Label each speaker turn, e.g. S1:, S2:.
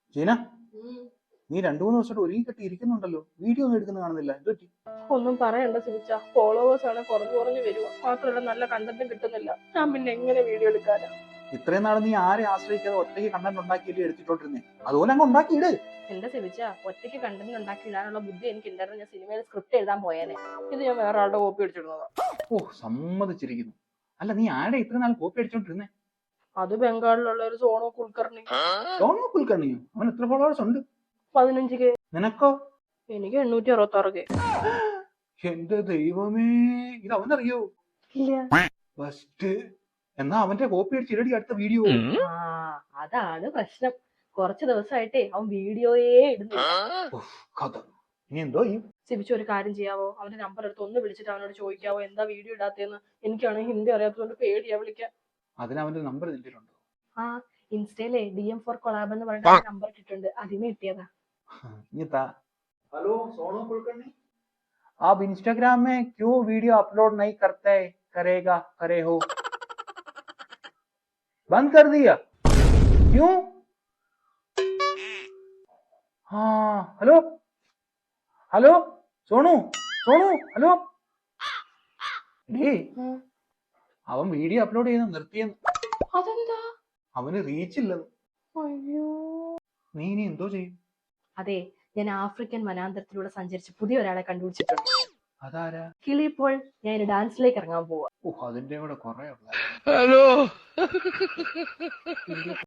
S1: ജീന, നീ 2-3 ദിവസമായിട്ട് ഒരുങ്ങി കെട്ടി ഇരിക്കുന്നുണ്ടല്ലോ, വീഡിയോ ഒന്നും എടുക്കുന്ന കാണുന്നില്ല, എന്ത് പറ്റി?
S2: ഒന്നും പറയണ്ട സിമിച്ച, ഫോളോവേഴ്സ് ആണ് കുറഞ്ഞു വരുക. മാത്രമല്ല നല്ല കണ്ടന്റും കിട്ടുന്നില്ല. ഞാൻ പിന്നെ എങ്ങനെ വീഡിയോ എടുക്കാനാ?
S1: ഇത്രയും നാളെ നീ ആരെ ആശ്രയിക്കാതെ ഒറ്റയ്ക്ക് കണ്ടന്റ് ഉണ്ടാക്കിയിട്ട് എടുത്തിട്ടോണ്ടിരുന്നേ, അതുപോലെ അങ്ങ് ഉണ്ടാക്കിയിട്.
S2: എന്റെ സിമിച്ച, ഒറ്റയ്ക്ക് കണ്ടന്റ് ഉണ്ടാക്കി ഇടാനുള്ള ബുദ്ധി എനിക്ക് ഉണ്ടായിരുന്നു. ഞാൻ സിനിമയിൽ സ്ക്രിപ്റ്റ് എഴുതാൻ പോയേനെ. ഇത് ഞാൻ വേറെ ആളുടെ കോപ്പി അടിച്ചിടുന്നതാ.
S1: ഓ, സമ്മതിച്ചിരിക്കുന്നു. അല്ല, നീ ആരെ ഇത്രയും നാൾ കോപ്പി അടിച്ചോണ്ടിരുന്നേ?
S2: അത് ബംഗാളിലുള്ള ഒരു സോണോ കുൽക്കർണി.
S1: സോണോ കുൽക്കർണിയോ? അവൻ എത്ര ഫോളോവേഴ്സ് ഉണ്ട്?
S2: 15K.
S1: നിനക്കോ?
S2: എനിക്ക് 866K.
S1: എന്റെ ദൈവമേ, ഇത് അവനറിയോ?
S2: ഇല്ല.
S1: ഫസ്റ്റ് എന്നാ അവന്റെ കോപ്പി അടിച്ചിടടി അടുത്ത വീഡിയോ.
S2: അതാണ് പ്രശ്നം. കുറച്ച് ദിവസമായിട്ടേ അവൻ വീഡിയോയേ ഇടുന്നില്ല.
S1: കഥ ഇനി എന്തോ ചെയ്യും?
S2: സിബിച്ചു, ഒരു കാര്യം ചെയ്യാവോ? അവന്റെ നമ്പർ എടുത്ത് ഒന്ന് വിളിച്ചിട്ട് അവനോട് ചോദിക്കാവോ എന്താ വീഡിയോ ഇടാത്തേന്ന്? എനിക്കാണെങ്കിൽ ഹിന്ദി അറിയാത്തതുകൊണ്ട് പേടിയാ വിളിക്കാൻ.
S1: അതിന് അവന്റെ നമ്പർ നിന്നിട്ടുണ്ടോ?
S2: ആ, ഇൻസ്റ്റയിലെ DM for collab എന്ന് പറഞ്ഞിട്ട് നമ്പർ ഇട്ടിട്ടുണ്ട്. അതിന് കിട്ടിയതാ.
S1: हेलो सोनू कुलकर्णी, आप इंस्टाग्राम में क्यों वीडियो अपलोड नहीं करते? करे हो? बंद कर दिया? क्यों? हाँ, hello hello Sonu Sonu hello. അവൻ വീഡിയോ അപ്ലോഡ് ചെയ്യുന്ന നിർത്തിയെന്ന്.
S2: അതെന്താ?
S1: അവന് റീച്ച് ഇല്ലെന്ന്.
S2: അയ്യോ,
S1: നീ ഇനി എന്തോ ചെയ്യും?
S2: അതെ, ഞാൻ ആഫ്രിക്കൻ വനാന്തരത്തിലൂടെ സഞ്ചരിച്ച് പുതിയ ഒരാളെ കണ്ടുപിടിച്ചിട്ടുണ്ട്.
S1: അതാരാ?
S2: കിളിപ്പോൾ ഞാൻ ഡാൻസിലേക്ക് ഇറങ്ങാൻ പോവാ.
S1: അതിന്റെ കൂടെ കുറെ ഉള്ള.
S3: ഹലോ.